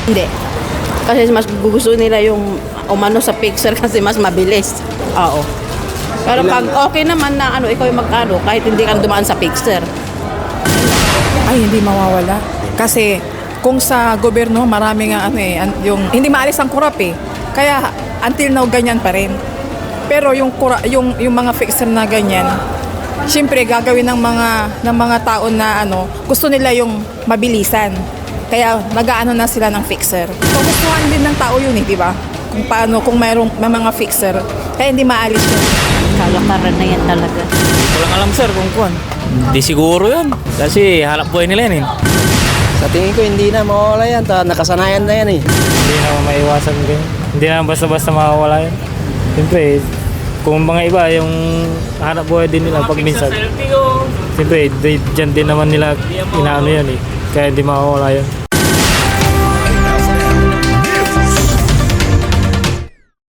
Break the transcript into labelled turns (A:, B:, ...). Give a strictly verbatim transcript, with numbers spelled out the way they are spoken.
A: Hindi. Kasi mas gusto nila yung umano sa fixer kasi mas mabilis. Oo. Pero pag okay naman na ano, ikaw yung magkano, kahit hindi ka dumaan sa fixer.
B: Ay, hindi mawawala. Kasi kung sa gobyerno, marami nga ano eh, an- yung hindi maalis ang kurap eh. Kaya until now ganyan pa rin. Pero yung kura, yung yung mga fixer na ganyan, siyempre gagawin ng mga ng mga tao na ano, gusto nila yung mabilisan. Kaya nag-aano na sila ng fixer. So gustuhan din ng tao yun eh, di ba? Kung paano, kung mayroong may mga fixer, kaya hindi maalis yun.
C: Kalakaran na yan talaga.
D: Walang alam sir kung kuwan. Di siguro yun. Kasi hanap buhay nila yan eh.
E: Sa tingin ko hindi na mawawala yan. Ta- nakasanayan na yan eh.
D: Hindi naman maiwasan din. Hindi naman basta-basta mawawala yan. Siyempre, kung mga iba yung hanap buhay din nila pag minsan. Siyempre, di- dyan din naman nila inaano yan eh. Kaya hindi mawawala yan.